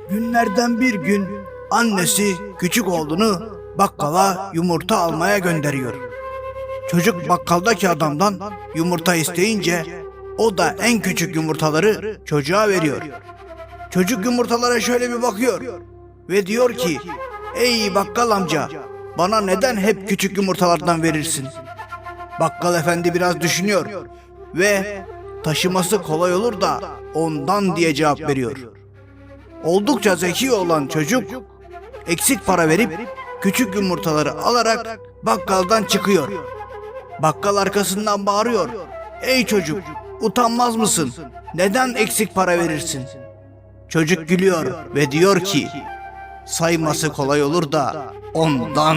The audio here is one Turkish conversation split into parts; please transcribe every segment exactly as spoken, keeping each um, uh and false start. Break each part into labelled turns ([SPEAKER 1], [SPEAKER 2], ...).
[SPEAKER 1] Günlerden bir gün annesi küçük oğlunu bakkala yumurta almaya gönderiyor. Çocuk bakkaldaki adamdan yumurta isteyince o da en küçük yumurtaları çocuğa veriyor. Çocuk yumurtalara şöyle bir bakıyor ve diyor ki, "Ey bakkal amca, bana neden hep küçük yumurtalardan verirsin?" Bakkal efendi biraz düşünüyor ve taşıması kolay olur da ondan diye cevap veriyor. Oldukça zeki olan çocuk eksik para verip küçük yumurtaları alarak bakkaldan çıkıyor. Bakkal arkasından bağırıyor, "Ey çocuk, utanmaz mısın? Neden eksik para verirsin?" Çocuk gülüyor ve diyor ki, "Sayması kolay olur da ondan."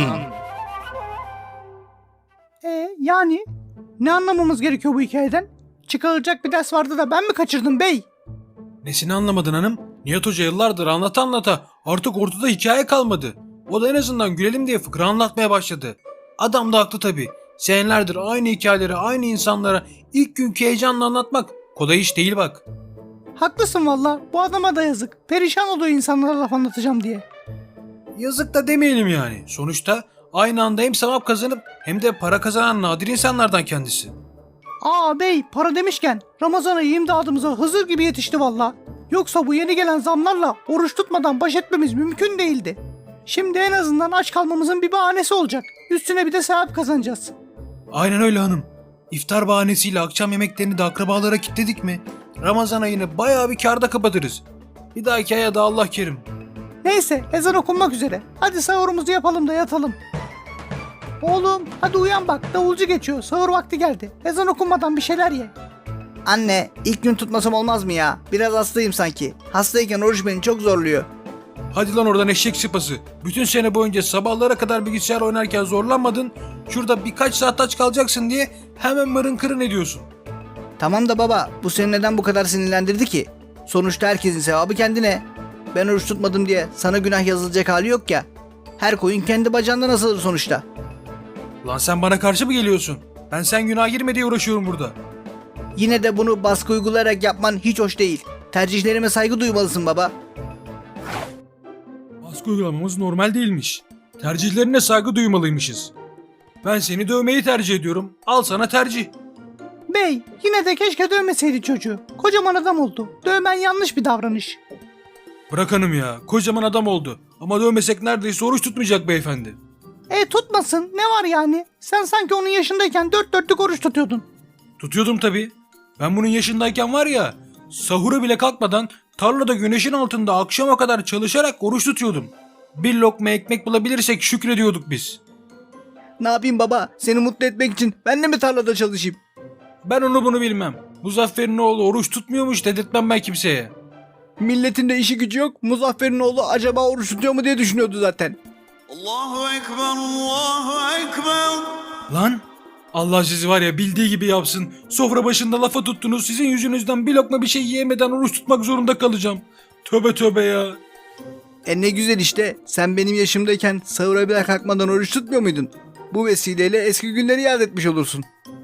[SPEAKER 2] E yani ne anlamamız gerekiyor bu hikayeden? Çıkarılacak bir ders vardı da ben mi kaçırdım bey?
[SPEAKER 3] Nesini anlamadın hanım? Nihat Hoca yıllardır anlata anlata artık ortada hikaye kalmadı. O da en azından gülelim diye fıkra anlatmaya başladı. Adam da haklı tabii. Senelerdir aynı hikayeleri aynı insanlara ilk günkü heyecanla anlatmak kolay iş değil bak.
[SPEAKER 2] Haklısın valla, bu adama da yazık. Perişan oluyor insanlara laf anlatacağım diye.
[SPEAKER 3] Yazık da demeyelim yani. Sonuçta aynı anda hem sevap kazanıp hem de para kazanan nadir insanlardan kendisi.
[SPEAKER 2] Aa bey, para demişken Ramazan ayı imdadımıza Hızır gibi yetişti valla. Yoksa bu yeni gelen zamlarla oruç tutmadan baş etmemiz mümkün değildi. Şimdi en azından aç kalmamızın bir bahanesi olacak. Üstüne bir de sevap kazanacağız.
[SPEAKER 3] Aynen öyle hanım. İftar bahanesiyle akşam yemeklerini de akrabalara kilitledik mi Ramazan ayını bayağı bir kârda kapatırız. Bir dahaki aya da Allah kerim.
[SPEAKER 2] Neyse, ezan okunmak üzere. Hadi sahurumuzu yapalım da yatalım. Oğlum hadi uyan bak, davulcu geçiyor, sahur vakti geldi. Ezan okunmadan bir şeyler ye.
[SPEAKER 1] Anne, ilk gün tutmasam olmaz mı ya? Biraz hastayım sanki. Hastayken oruç beni çok zorluyor.
[SPEAKER 3] Hadi lan oradan eşek sıpası. Bütün sene boyunca sabahlara kadar bilgisayar oynarken zorlanmadın. Şurada birkaç saat aç kalacaksın diye hemen mırın kırın ediyorsun.
[SPEAKER 1] Tamam da baba, bu seni neden bu kadar sinirlendirdi ki? Sonuçta herkesin sevabı kendine. Ben oruç tutmadım diye sana günah yazılacak hali yok ya. Her koyun kendi bacağından asılır sonuçta.
[SPEAKER 3] Lan sen bana karşı mı geliyorsun? Ben sen günah girme diye uğraşıyorum burada.
[SPEAKER 1] Yine de bunu baskı uygulayarak yapman hiç hoş değil. Tercihlerime saygı duymalısın baba.
[SPEAKER 3] Baskı uygulamamız normal değilmiş. Tercihlerine saygı duymalıymışız. Ben seni dövmeyi tercih ediyorum. Al sana tercih.
[SPEAKER 2] Bey, yine de keşke dövmeseydi çocuğu. Kocaman adam oldu. Dövmen yanlış bir davranış.
[SPEAKER 3] Bırak hanım ya. Kocaman adam oldu. Ama dövmesek neredeyse oruç tutmayacak beyefendi.
[SPEAKER 2] E tutmasın, ne var yani? Sen sanki onun yaşındayken dört dörtlük oruç tutuyordun.
[SPEAKER 3] Tutuyordum tabii. Ben bunun yaşındayken var ya, sahura bile kalkmadan tarlada güneşin altında akşama kadar çalışarak oruç tutuyordum. Bir lokma ekmek bulabilirsek şükrediyorduk biz.
[SPEAKER 1] Ne yapayım baba? Seni mutlu etmek için ben de mi tarlada çalışayım?
[SPEAKER 3] Ben onu bunu bilmem. Muzaffer'in oğlu oruç tutmuyormuş dedirtmem ben kimseye.
[SPEAKER 1] Milletin de işi gücü yok. Muzaffer'in oğlu acaba oruç tutuyor mu diye düşünüyordu zaten.
[SPEAKER 4] Allahu Ekber, Allahu Ekber.
[SPEAKER 3] Lan Allah sizi var ya bildiği gibi yapsın. Sofra başında lafa tuttunuz. Sizin yüzünüzden bir lokma bir şey yiyemeden oruç tutmak zorunda kalacağım. Tövbe tövbe ya.
[SPEAKER 1] E ne güzel işte. Sen benim yaşımdayken sahura bile kalkmadan oruç tutmuyor muydun? Bu vesileyle eski günleri yad etmiş olursun.